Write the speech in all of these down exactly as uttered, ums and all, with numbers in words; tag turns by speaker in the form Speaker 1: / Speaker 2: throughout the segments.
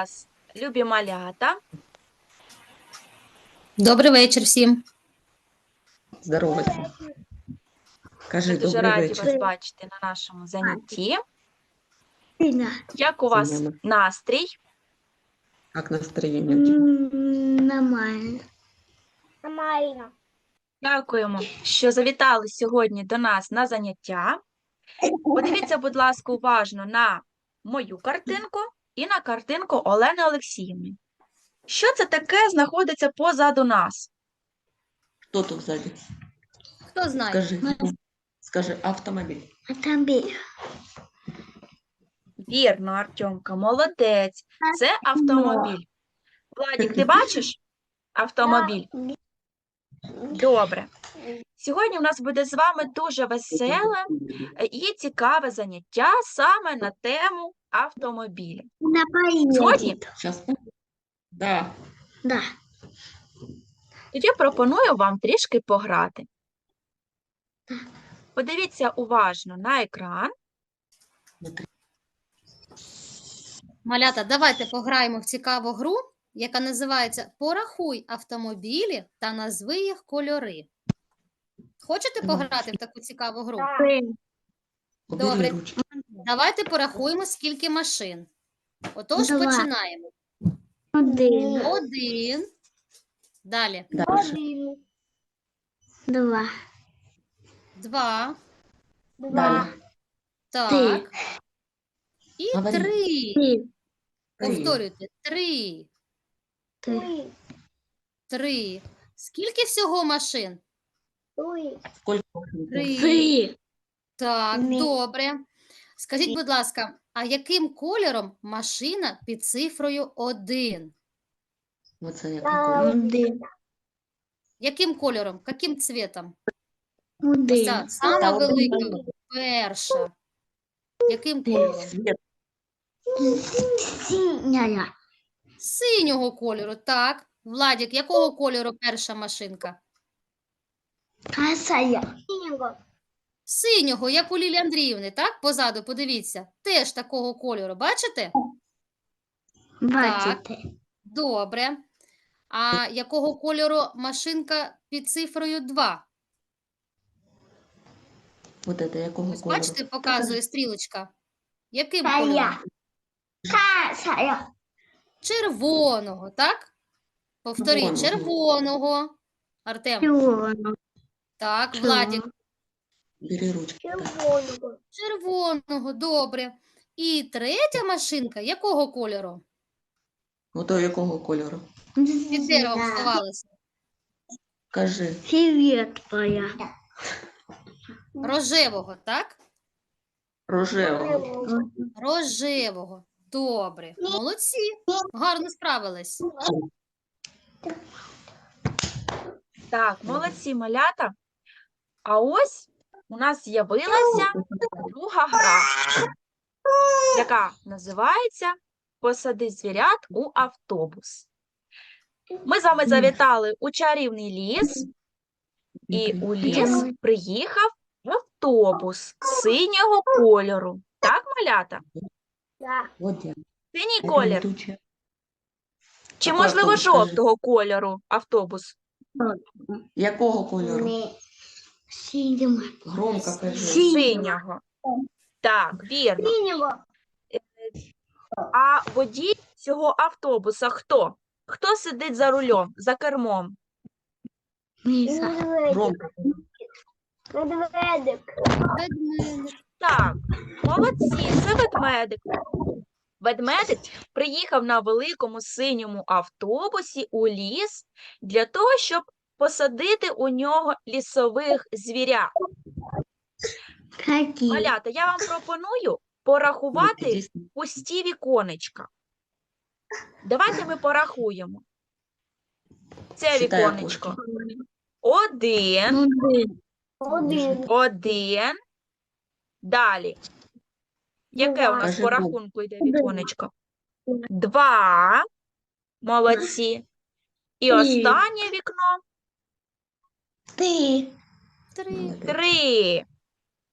Speaker 1: вас, любі малята.
Speaker 2: Добрий вечір всім.
Speaker 3: Здоровайся. Кажи,
Speaker 1: Ми дуже
Speaker 3: добрий
Speaker 1: раді
Speaker 3: вечір.
Speaker 1: вас бачити на нашому занятті.
Speaker 4: Сильно.
Speaker 1: Як у вас
Speaker 3: Нормально.
Speaker 1: настрій?
Speaker 3: Як настроєння у тебе?
Speaker 4: Нормально.
Speaker 5: Нормально.
Speaker 1: Дякуємо, що завітали сьогодні до нас на заняття. Подивіться, будь ласка, уважно на мою картинку і на картинку Олени Олексіївни. Що це таке знаходиться позаду нас?
Speaker 3: Хто тут ззаді?
Speaker 2: Хто знає?
Speaker 3: Скажи. Скажи, автомобіль.
Speaker 4: Автомобіль.
Speaker 1: Вірно, Артемка, молодець. Це автомобіль. Владик, ти бачиш автомобіль? Добре. Сьогодні у нас буде з вами дуже веселе і цікаве заняття саме на тему автомобілі.
Speaker 4: На
Speaker 1: Згодні?
Speaker 4: поїздку.
Speaker 3: Зараз. Да.
Speaker 4: Да.
Speaker 1: Тоді пропоную вам трішки пограти. Подивіться уважно на екран.
Speaker 2: Малята, давайте пограємо в цікаву гру, яка називається «Порахуй автомобілі та назви їх кольори». Хочете пограти в таку цікаву гру?
Speaker 3: Убери
Speaker 2: Добре.
Speaker 3: ручки.
Speaker 2: Давайте порахуємо, скільки машин. Отож,
Speaker 4: Два.
Speaker 2: починаємо.
Speaker 4: Один.
Speaker 2: Один. Далі.
Speaker 3: Дальше.
Speaker 4: Два.
Speaker 2: Два.
Speaker 3: Далі.
Speaker 2: Так. І
Speaker 3: Говори.
Speaker 2: три.
Speaker 4: Три.
Speaker 2: Повторюйте. Три.
Speaker 4: Три.
Speaker 2: Три. Скільки всього машин?
Speaker 3: Скільки машин?
Speaker 2: Три.
Speaker 4: Три.
Speaker 2: Так,
Speaker 4: Ні.
Speaker 2: добре. Скажіть, будь ласка, а яким кольором машина під цифрою один?
Speaker 3: Оце який колір?
Speaker 4: Один.
Speaker 2: Яким кольором? Яким цвітом? Ось
Speaker 4: Один.
Speaker 2: ця сама
Speaker 3: Та
Speaker 2: велика,
Speaker 3: один.
Speaker 2: перша. Яким кольором?
Speaker 3: Світ.
Speaker 4: Синяя.
Speaker 2: Синього кольору, так. Владик, якого кольору перша машинка?
Speaker 4: Красая.
Speaker 2: Синього, як у Лілі Андріївни, так? Позаду, подивіться. Теж такого кольору, бачите?
Speaker 4: Бачите.
Speaker 2: Добре. А якого кольору машинка під цифрою два?
Speaker 3: Вот это якого
Speaker 2: Ось
Speaker 3: кольору?
Speaker 2: бачите, показує стрілочка. Яким
Speaker 4: Красая.
Speaker 2: кольором?
Speaker 4: Красая.
Speaker 2: Червоного, так? Повторіть,
Speaker 3: Червоного.
Speaker 2: червоного. Артем,
Speaker 4: Червоно.
Speaker 2: так, Владик,
Speaker 3: Бери ручки. Так.
Speaker 2: червоного, добре. І третя машинка якого кольору?
Speaker 3: Ото якого кольору?
Speaker 2: Під деревом сховалася.
Speaker 3: Кажи.
Speaker 4: Фиолетовая.
Speaker 2: Рожевого, так?
Speaker 3: Рожевого.
Speaker 2: Рожевого. Добре. Молодці. Гарно справились.
Speaker 1: Так, молодці, малята. А ось у нас з'явилася друга гра, яка називається «Посади звірят у автобус». Ми з вами завітали у чарівний ліс, і у ліс приїхав автобус синього кольору. Так, малята?
Speaker 3: От я.
Speaker 1: Синій колір.
Speaker 3: Летучий.
Speaker 1: Чи,
Speaker 3: Який
Speaker 1: можливо,
Speaker 3: автобус, скажи?
Speaker 1: жовтого кольору автобус?
Speaker 3: Якого кольору?
Speaker 4: Синего.
Speaker 3: Громко кажи.
Speaker 1: Синього. Так, вірно. А водій цього автобуса хто? Хто сидить за рулем, за кермом?
Speaker 4: Миса.
Speaker 3: Громко.
Speaker 5: Медведик.
Speaker 2: Ведмедик.
Speaker 1: Так, молодці, це ведмедик. Ведмедик приїхав на великому синьому автобусі у ліс для того, щоб посадити у нього лісових звірят.
Speaker 4: Какие?
Speaker 1: Малята, я вам пропоную порахувати
Speaker 3: Іди.
Speaker 1: пусті віконечка. Давайте ми порахуємо. Це
Speaker 3: Читай
Speaker 1: віконечко.
Speaker 3: окошко.
Speaker 1: Один,
Speaker 4: Один.
Speaker 5: Один.
Speaker 1: один. Далі. Яке у нас
Speaker 3: Кажи
Speaker 1: по
Speaker 3: два.
Speaker 1: рахунку йде віконечко? Два. Молодці. І
Speaker 4: Три.
Speaker 1: останнє вікно.
Speaker 4: Ты.
Speaker 2: Три.
Speaker 1: Три.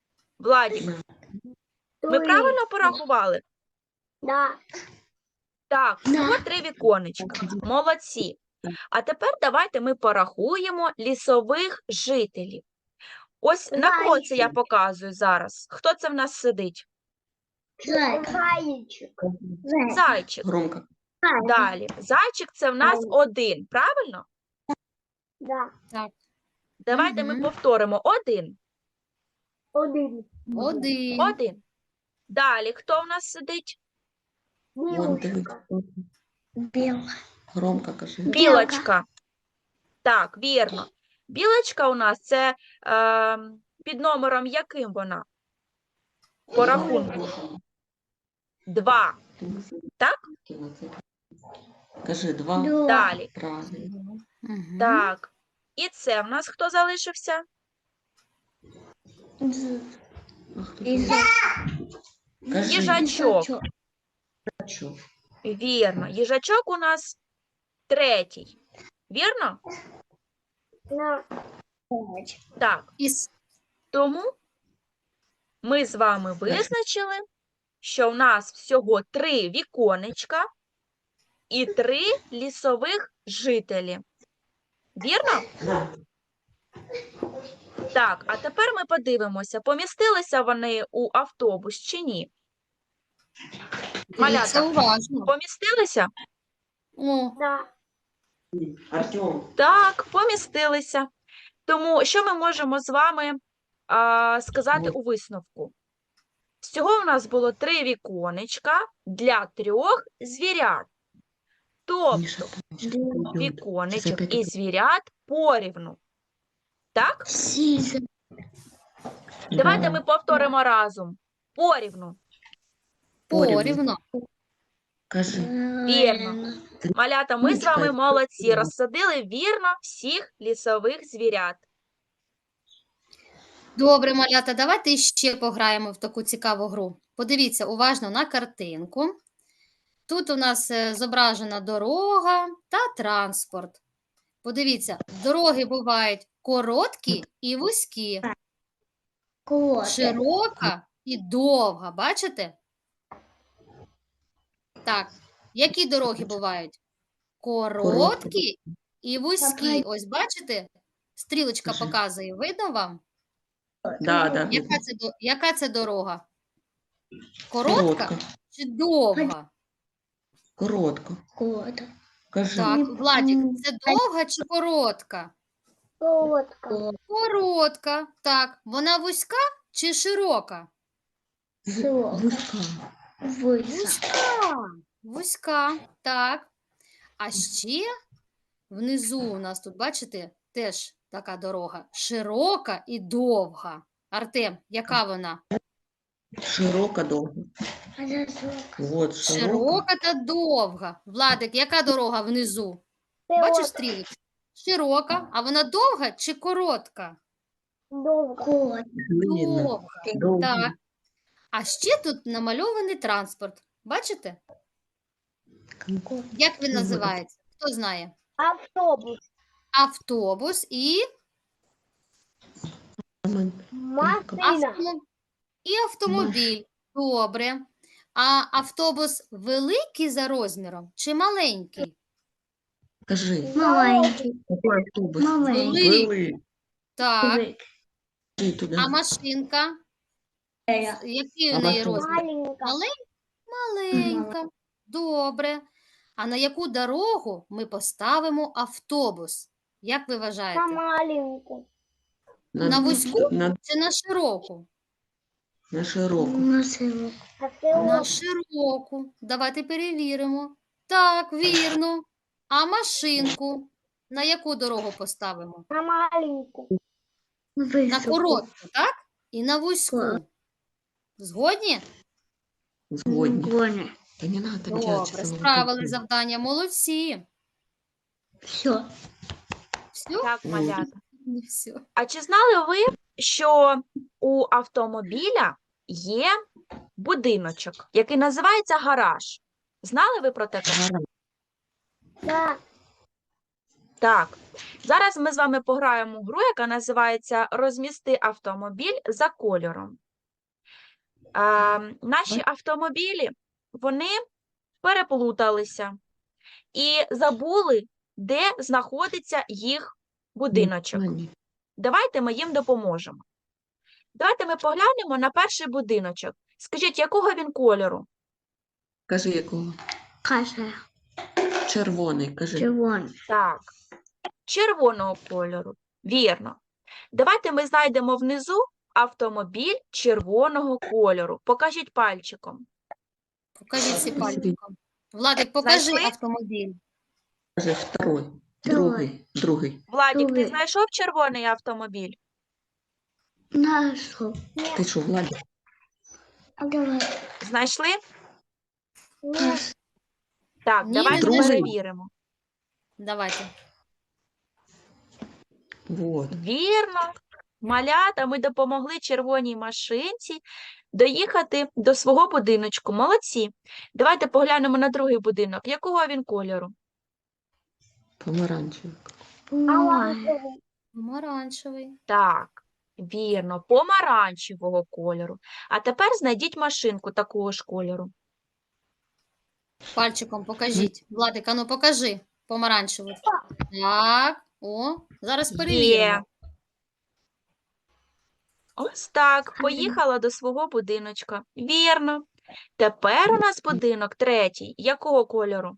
Speaker 1: Владик, ми правильно порахували?
Speaker 5: Да.
Speaker 1: Так, всього
Speaker 4: Да.
Speaker 1: три віконечка. Молодці. А тепер давайте ми порахуємо лісових жителів. Ось на кого це я показую зараз? Хто це в нас сидить?
Speaker 4: Зайка.
Speaker 5: Зайчик.
Speaker 4: Зайка.
Speaker 1: Зайчик.
Speaker 3: Громко.
Speaker 1: Далі. Зайчик це в нас один, правильно?
Speaker 5: Да.
Speaker 2: Так,
Speaker 1: Давайте ми
Speaker 2: Мгм.
Speaker 1: повторимо. Один.
Speaker 5: Один.
Speaker 2: один.
Speaker 1: Один. Далі. Хто в нас сидить?
Speaker 3: Вон, дивись.
Speaker 5: Білочка.
Speaker 4: Белка.
Speaker 3: Громко кажи.
Speaker 1: Білочка. Так, вірно. Білочка у нас це е, під номером яким вона? По рахунку. Два. Так?
Speaker 3: Кажи два.
Speaker 4: Два.
Speaker 1: Далі.
Speaker 3: Правильно.
Speaker 2: Мгм.
Speaker 1: Так. І це в нас хто залишився?
Speaker 4: З-
Speaker 3: А хто
Speaker 4: і
Speaker 3: там?
Speaker 4: за-
Speaker 3: Кажи.
Speaker 1: Їжачок.
Speaker 3: Їжачок.
Speaker 1: Вірно. Їжачок у нас третій. Вірно?
Speaker 5: Да.
Speaker 1: Так.
Speaker 2: І с-
Speaker 1: Тому ми з вами визначили, що в нас всього три віконечка і три лісових жителі. Вірно? Так, а тепер ми подивимося, помістилися вони у автобус чи ні?
Speaker 2: дивіться
Speaker 1: Малята,
Speaker 2: уважно.
Speaker 1: помістилися?
Speaker 2: О,
Speaker 5: Да.
Speaker 3: Артем.
Speaker 1: Так, помістилися. Тому що ми можемо з вами а, сказати у висновку? Всього в нас було три віконечка для трьох звірят. Тобто
Speaker 3: Міша, щас прийдуть. Щас
Speaker 1: віконечок
Speaker 3: опять
Speaker 1: і звірят порівну. Так?
Speaker 4: Сіза.
Speaker 1: Давайте
Speaker 3: Да.
Speaker 1: ми повторимо разом. Порівну.
Speaker 3: Порівну.
Speaker 2: порівно.
Speaker 3: Кажи.
Speaker 1: Вірно. Малята, ми з вами
Speaker 3: Чекай.
Speaker 1: молодці. Розсадили вірно всіх лісових звірят.
Speaker 2: Добре, малята, давайте ще пограємо в таку цікаву гру. Подивіться уважно на картинку. Тут у нас е, зображена дорога та транспорт. Подивіться, дороги бувають короткі і вузькі,
Speaker 4: Кот.
Speaker 2: широка і довга. Бачите? Так, які дороги бувають? Короткі і вузькі. Ось бачите? Стрілочка
Speaker 3: Кажи.
Speaker 2: показує. Видно вам?
Speaker 3: Да, да.
Speaker 2: Яка це, до- яка це дорога? Коротка
Speaker 3: Коротко.
Speaker 2: чи довга?
Speaker 3: Коротко.
Speaker 4: Кот.
Speaker 3: Кажи.
Speaker 2: Так, Владик, це довга чи коротка?
Speaker 5: Солодка.
Speaker 2: Коротка. Так, вона вузька чи широка?
Speaker 4: Сок.
Speaker 3: Вузька.
Speaker 4: Виса.
Speaker 2: Вузька. Вузька, так. А ще внизу у нас тут, бачите, теж така дорога. Широка і довга. Артем, яка вона?
Speaker 3: Широка довга.
Speaker 4: А за сок.
Speaker 3: Вот, широка.
Speaker 2: Широка та довга. Владик, яка дорога внизу? Бачиш стрілочку? Широка, а вона довга чи коротка?
Speaker 5: Довго.
Speaker 4: Кот.
Speaker 3: Длинна.
Speaker 2: Довга.
Speaker 3: Довга.
Speaker 2: Так. А ще тут намальований транспорт. Бачите? Як він називається? Хто знає?
Speaker 5: Автобус.
Speaker 2: Автобус і,
Speaker 5: Машина.
Speaker 2: автом... і автомобіль. Добре. А автобус великий за розміром чи маленький?
Speaker 3: Кажи.
Speaker 4: Маленький.
Speaker 3: Какой автобус?
Speaker 4: Маленький.
Speaker 2: Великий.
Speaker 3: Великий.
Speaker 2: Так.
Speaker 3: Кажи туди.
Speaker 2: А машинка? Який
Speaker 3: А
Speaker 2: у неї
Speaker 3: машинка?
Speaker 2: розмір?
Speaker 5: Маленька.
Speaker 2: Малень- Маленька. Добре. А на яку дорогу ми поставимо автобус? Як ви
Speaker 5: На
Speaker 2: вважаєте?
Speaker 5: маленьку.
Speaker 2: На вузьку?
Speaker 3: На,
Speaker 2: Чи на широку?
Speaker 3: на широку.
Speaker 4: На силу.
Speaker 5: На
Speaker 2: На
Speaker 5: село.
Speaker 2: широку. Давайте перевіримо. Так, вірно. А машинку? На яку дорогу поставимо?
Speaker 5: На маленьку.
Speaker 2: На
Speaker 4: Високо.
Speaker 2: коротку, так? І на вузьку.
Speaker 4: Так.
Speaker 2: Згодні?
Speaker 3: Згодні.
Speaker 4: Гоня.
Speaker 3: Та не надо
Speaker 2: Добре, справили завдання. Молодці.
Speaker 4: Все.
Speaker 2: Все?
Speaker 1: Так, малята.
Speaker 2: Не все.
Speaker 1: А чи знали ви, що у автомобіля є будиночок, який називається гараж? Знали ви про таке?
Speaker 5: Да.
Speaker 1: Так. Зараз ми з вами пограємо в гру, яка називається «Розмісти автомобіль за кольором». Е, наші автомобілі, вони переплуталися і забули, де знаходиться їх будиночок.
Speaker 3: Ані.
Speaker 1: Давайте ми їм допоможемо. Давайте ми поглянемо на перший будиночок. Скажіть, якого він кольору?
Speaker 3: Кажи якого?
Speaker 4: Каже.
Speaker 3: Червоний, кажи.
Speaker 4: Червоний.
Speaker 1: Так, червоного кольору. Вірно. Давайте ми знайдемо внизу автомобіль червоного кольору. Покажіть пальчиком.
Speaker 2: Покажіть всі пальчиком. Владик, покажи
Speaker 1: Знайшли?
Speaker 2: автомобіль.
Speaker 3: Кажи второй.
Speaker 4: Другий.
Speaker 3: Другий. Другий.
Speaker 1: Владік, ти
Speaker 4: Другий.
Speaker 1: знайшов червоний автомобіль?
Speaker 4: Нашу.
Speaker 3: Ти що, Владик?
Speaker 4: А давай.
Speaker 1: Знайшли?
Speaker 4: Наш.
Speaker 1: Так,
Speaker 2: Ні,
Speaker 1: давайте
Speaker 3: не знайшли.
Speaker 1: перевіримо.
Speaker 2: Давайте.
Speaker 3: Вот.
Speaker 1: Вірно. Малята, ми допомогли червоній машинці доїхати до свого будиночку. Молодці. Давайте поглянемо на другий будинок. Якого він кольору?
Speaker 3: Помаранчевий.
Speaker 4: Помагає.
Speaker 2: Помаранчевий.
Speaker 1: Так, вірно, помаранчевого кольору. А тепер знайдіть машинку такого ж кольору.
Speaker 2: Пальчиком покажіть. Владик, ану покажи помаранчевий. Так, о, зараз перевіримо.
Speaker 1: Є. Ось так, поїхала до свого будиночка. Вірно. Тепер у нас будинок третій. Якого кольору?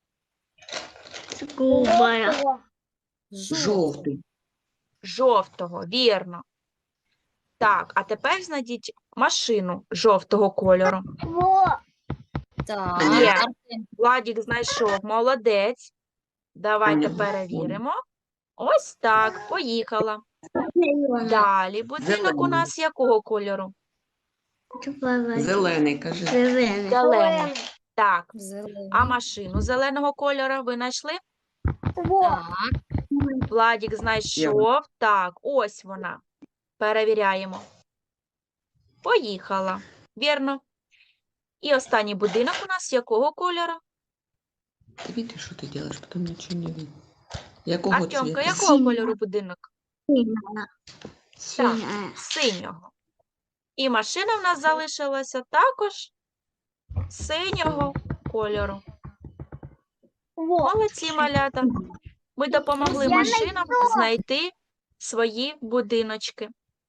Speaker 4: Губая.
Speaker 2: Жовтий.
Speaker 3: Жовтий.
Speaker 1: Жовтого, вірно. Так, а тепер знайдіть машину жовтого кольору.
Speaker 5: Во.
Speaker 2: Так,
Speaker 1: Є.
Speaker 2: Артем,
Speaker 1: Владік знайшов, молодець. Давайте
Speaker 3: Ага.
Speaker 1: перевіримо. Ось так, поїхала. Далі будинок у
Speaker 3: Зелений.
Speaker 1: нас якого кольору?
Speaker 3: Зелений, кажи.
Speaker 4: Зелений.
Speaker 1: Зелений. Так,
Speaker 2: зелений.
Speaker 1: а машину зеленого кольору ви знайшли?
Speaker 5: Во.
Speaker 2: Так,
Speaker 1: Владік знайшов. Так, ось вона. Перевіряємо. Поїхала. Вірно. І останній будинок у нас якого кольору?
Speaker 3: Ты видишь, что ты делаешь, потом ничего не видно. Якого
Speaker 1: Артемка,
Speaker 3: цвета?
Speaker 1: якого
Speaker 4: Синього.
Speaker 1: кольору будинок?
Speaker 4: Синяя. Синяя.
Speaker 1: Синього. І машина в нас залишилася також синього кольору.
Speaker 5: Во.
Speaker 1: Молодці, малята. Ми допомогли
Speaker 5: Я
Speaker 1: машинам знайти свої будиночки.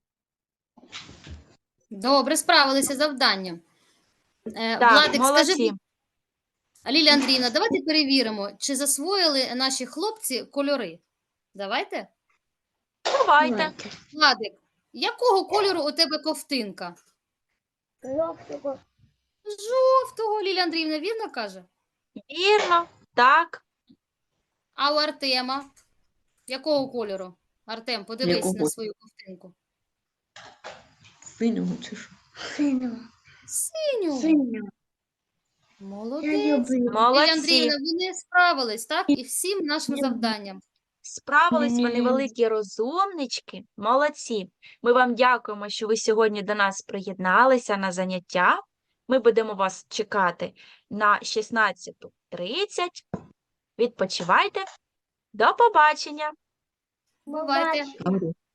Speaker 2: добре, справилися з завданням. Е,
Speaker 1: Так,
Speaker 2: Владик, скажи,
Speaker 1: молодці.
Speaker 2: Лілія Андріївна, давайте перевіримо, чи засвоїли наші хлопці кольори. Давайте.
Speaker 1: Давайте.
Speaker 2: Владик, якого кольору у тебе ковтинка?
Speaker 5: Жовтого.
Speaker 2: Жовтого, Лілія Андріївна, вірно каже?
Speaker 1: Вірно. Так.
Speaker 2: А у Артема? Якого кольору? Артем, подивись
Speaker 3: Якого?
Speaker 2: на свою ковтинку.
Speaker 3: Синього чи що?
Speaker 4: Синього.
Speaker 2: Синю.
Speaker 4: Синього. Я
Speaker 2: Молодець.
Speaker 4: люблю.
Speaker 2: Лілія
Speaker 1: Молодці.
Speaker 2: Андріївна, вони справились, так? І всім нашим завданням.
Speaker 1: Справились вони
Speaker 4: Мгм.
Speaker 1: великі розумнички. Молодці. Ми вам дякуємо, що ви сьогодні до нас приєдналися на заняття. Ми будемо вас чекати на шістнадцяту тридцять. Відпочивайте. До побачення.
Speaker 2: Бувайте.
Speaker 3: Говорю.